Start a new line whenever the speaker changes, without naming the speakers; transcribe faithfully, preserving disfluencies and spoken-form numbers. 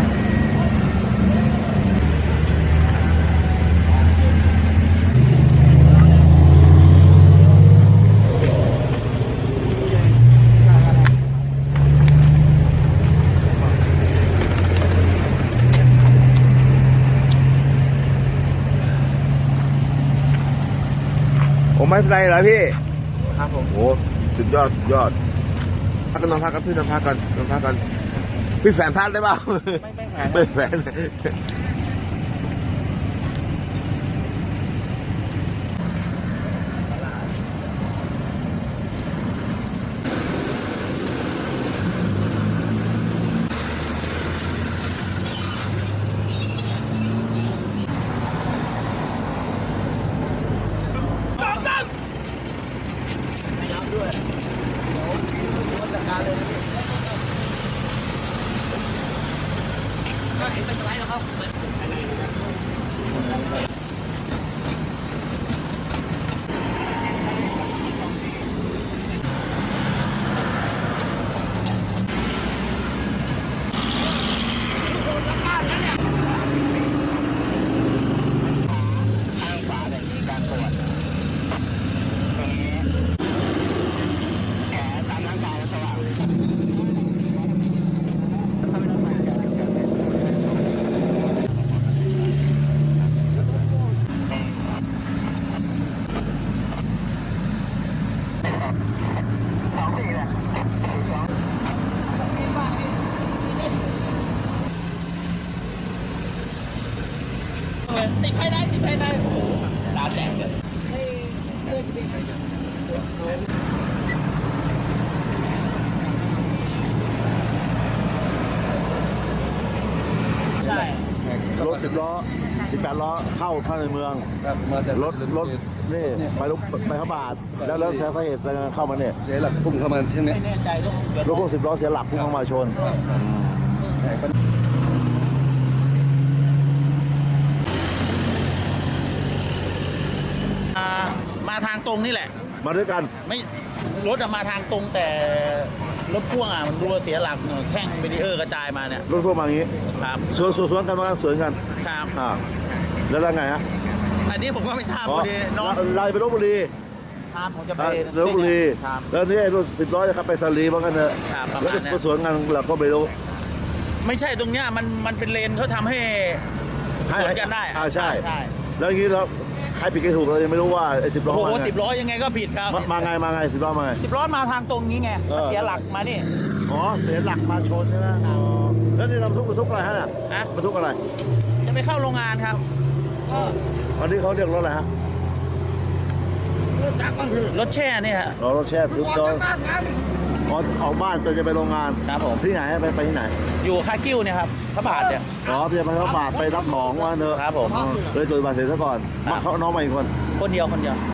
ผมไม่เป็นไรเหรอพี่
ครับผม
โอ้สุดยอดสุดยอดพักกันนอนพักกันพี่นอนพักกันนอนพักกันพี่แฝนพัดได้เปล่า
ไม่ไม่แฝน
ไม่แฝน
ติดภายในติดภายในโอ้โหตาแดงเลยใช่
รถสิบล้อสิบแปดล้อเข้าเข้าในเมืองรถรถนี่ไปลุกไปพระบาทแล้วแล้วเสียเหตุเข้ามาเนี่ย
เสียหลักพุ่งเข้ามาเช่นนี้
ไม่แน่ใจต้อง
รถพวกสิบล้อเสียหลักพุ่งเข้ามาชน
มาทางตรงนี่แหละ
มาด้วยกัน
ไม่รถมาทางตรงแต่รถพ่วงอ่ะมันดูเสียหลักแท่งเบรีเออร์กระจายมาเนี่ย
รถพ่วงมาอย่างนี้
ครับ
สวนสวนกันมาสวนกัน
ครับ
อ่าแล้วไงฮะ
อันนี้ผมก็ไม่ทราบพอดีน้อง
ไล่ไปลพบุรี
ครับผมจะไป
ลพบุรีแล้วนี่รถสิบล้อจะขับไปสาลีบ้างกันเถอะแล้วก็สวนกันเราก็ไม่รู้
ไม่ใช่ตรงเนี้ยมันมันเป็นเลนเขาทำให้สวนกันได้
อ่าใช่แล้วอย่างนี้เราใครผิดใครถูกเรายังไม่รู้ว่าไอ้สิบล้อ
โอ้โหสิบล้อยังไงก็ผิดครับ
มาไงมาไงสิบล้อมาไง
สิบล้อมาทางตรงนี้ไงเสียหลักมานี่
อ๋อเสียหลักมาชนใช่ไหมแล้วนี่เราบรรทุกบรรทุกอะไรฮะ
นะ
บรรทุกอะไร
จะไปเข้าโรงงานครับ
อันนี้เขาเรียกรถอะไรฮะ
รถแช่เนี่ยฮะ
รถแช่ทุกตัวออกออกบ้านจะไปโรงงาน
ครับผม
ที่ไหนไปไปที่ไหน
อยู่คากิ้วเนี่ยครับพระบาทเนี่ย
อ๋อเพียงไปพระบาทไปรับของว่าเนอะ
ครับผม
เลยตัวบาทเสร็จซะก่อนมาเขาน้องมาอีกคน
คนเดียวคนเดียว